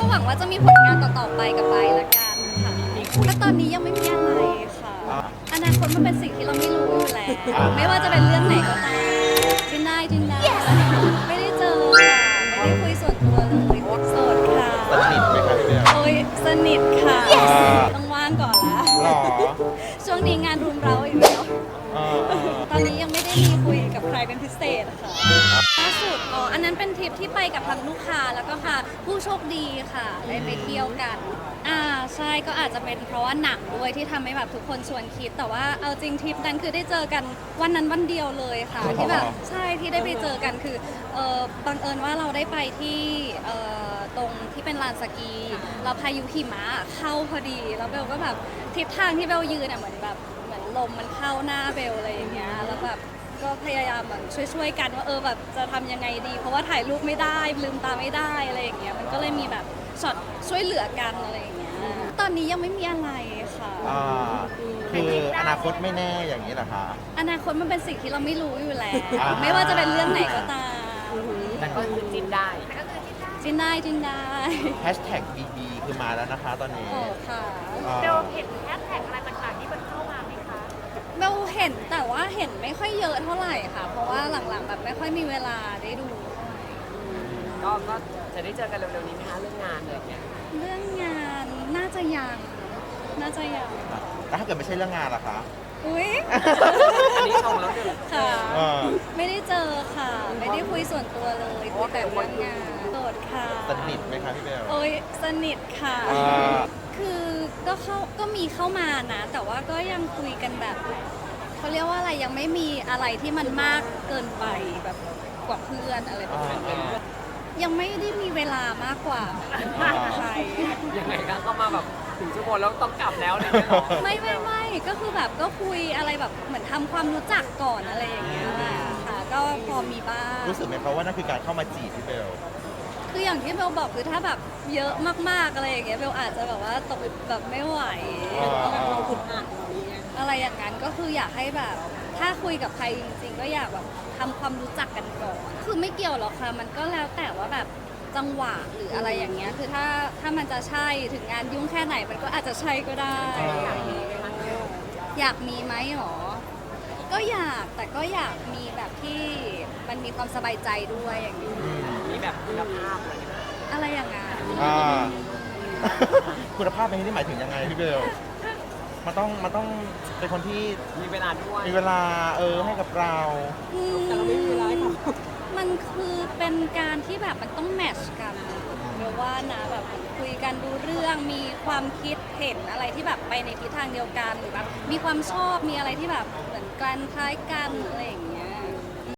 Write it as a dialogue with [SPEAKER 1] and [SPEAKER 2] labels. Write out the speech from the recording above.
[SPEAKER 1] หวังว่าจะมีผลงานต่อๆไปกับไบร์ทละกันค่ะก็ตอนนี้ยังไม่มีอะไรค่ะอนาคตมันเป็นสิ่งที่เราไม่รู้อยู่แล้วไม่ว่าจะเป็นเรื่องไหนก็ตามจินได้ไม่ได้เจอค่ะไม่ได้คุยส่วนตัวเลยโสดค่ะ
[SPEAKER 2] สนิทไหมคะพี่เบล
[SPEAKER 1] โอ้ยสนิทค่ะต้องว่างก่อนละ
[SPEAKER 2] หรอ
[SPEAKER 1] ช่วงนี้งานรุมเร้าอีกแล้ว
[SPEAKER 2] เออ
[SPEAKER 1] ตอนนี้ยังไม่ได้มีคุยกับใครเป็นพิเศษค่ะล่าสุดอันนั้นเป็นทริปที่ไปกับทางลูกค้าแล้วก็ค่ะผู้โชคดีค่ะได้ไปเที่ยวกันใช่ก็อาจจะเป็นเพราะว่าหนังด้วยที่ทำให้แบบทุกคนชวนคิดแต่ว่าเอาจริงทริปนั้นคือได้เจอกันวันนั้นวันเดียวเลยค่ะที่แบบใช่ที่ได้ไปเจอกันคือบังเอิญว่าเราได้ไปที่ตรงที่เป็นลานสกีเราพายุหิมะเข้าพอดีแล้วเบลก็แบบทิศทางที่เบลยืนเหมือนแบบเหมือนลมมันเข้าหน้าเบลอะไรอย่างเงี้ยแล้วแบบก็พยายามแบบช่วยกันว่าแบบจะทำยังไงดี เพราะว่าถ่ายรูปไม่ได้ลืมตาไม่ได้อะไรอย่างเงี้ยมันก็เลยมีแบบช็อตช่วยเหลือกันอะไรอย่างเงี้ยตอนนี้ยังไม่มีอะไรค่ะ
[SPEAKER 2] คืออนาคตไม่แน่อย่างนี้เหรอคะ
[SPEAKER 1] อนาคตมันเป็นสิ่งที่เราไม่รู้อยู่แล้วไม่ว่าจะเป็นเรื่องไหนก็ตาม
[SPEAKER 3] แต่ก็คือจิ้นได้
[SPEAKER 1] จินได้
[SPEAKER 2] แฮชแท็กบีคือมาแล้วนะคะตอนนี้
[SPEAKER 1] โอ้ค่ะ
[SPEAKER 4] เบลเห็นแฮชแท็กอะไรต่างๆที่มันเข้ามาไหมคะ
[SPEAKER 1] เบลเห็นแต่ว่าเห็นไม่ค่อยเยอะเท่าไหร่ค่ะ เพราะว่าหลังๆแบบไม่ค่อยมีเวลาได้ดูเท่าไหร่
[SPEAKER 3] ก็จะได้เจอกันเร็วๆนี้ไหมคะเรื่องงานอะไรอย่างเงี้ย
[SPEAKER 1] เรื่องงานน่าจะยัง
[SPEAKER 2] แล้วถ้าเกิดไม่ใช่เรื่องงานล่ะคะ
[SPEAKER 1] อุ้ย
[SPEAKER 3] อันนี้ชมแล้วหนึ่ง
[SPEAKER 1] ค่ะ
[SPEAKER 2] เออ
[SPEAKER 1] ไม่ได้เจอค่ะ ไม่ได้คุยส่วนตัวเลยคุยแต่เรื่องงานโสดค่ะ
[SPEAKER 2] สนิทไหมคะพี่เบล
[SPEAKER 1] โอ้ยสนิทค่ะ
[SPEAKER 2] อ่า
[SPEAKER 1] คือก็มีเข้ามานะ แต่ว่าก็ยังคุยกันแบบเขาเรียกว่าอะไรยังไม่มีอะไรที่มันมากเกินไปแบบกว่าเพื่อนอะไรแบบนั้นยังไม่ได้มีเวลามากกว่าใคร
[SPEAKER 3] ยังไงก็เข้ามาแบบถึงชั่วโมงแล้วต้องกลับแล้วอะไรอย่างเงี้ยเหรอ
[SPEAKER 1] ไม่ก็คือแบบก็คุยอะไรแบบเหมือนทำความรู้จักก่อนอะไรอย่างเงี้ยค่ะ ก็พอมีบ้าง
[SPEAKER 2] รู้สึกไหมคะว่านั่นคือการเข้ามาจีบพี่เบล
[SPEAKER 1] คืออย่างที่เบลบอกคือถ้าแบบเยอะมากๆอะไรอย่างเงี้ยเบลอาจจะแบบว่าตกแบบไม่ไหว
[SPEAKER 3] เราขุดอ่าน
[SPEAKER 1] อะไรอย่างนั้นก็คืออยากให้แบบ ถ้าคุยกับใครจริงๆ ก็อยากแบบทำความรู้จักกันก่อน คือไม่เกี่ยวหรอกค่ะ มันก็แล้วแต่ว่าแบบจังหวะหรืออะไรอย่างเงี้ย คือถ้ามันจะใช่ถึงงานยุ่งแค่ไหนมันก็อาจจะใช่ก็ได้ อยากมีไหมหรอ ก็อยากแต่ก็อยากมีแบบที่มันมีความสบายใจด้วยอย่างนี้
[SPEAKER 3] มีแบบคุณภาพอะไรอย่างเงี้ย
[SPEAKER 1] อะไรอย่างนั้น
[SPEAKER 2] อ่า คุณภาพในที่นี้หมายถึงยังไงพี่เบล มันต้องเป็นคนที่
[SPEAKER 3] มีเวลาด้วย
[SPEAKER 2] มีเวลาให้กับเรา
[SPEAKER 3] แต่เราไม่มีเวลาให้เขา
[SPEAKER 1] มันคือเป็นการที่แบบมันต้องแมทช์กันเรียกว่านะแบบคุยกันดูเรื่องมีความคิดเห็นอะไรที่แบบไปในทิศทางเดียวกันหรือแบบมีความชอบมีอะไรที่แบบเหมือนกันคล้ายกันอะไรอย่างเงี้ย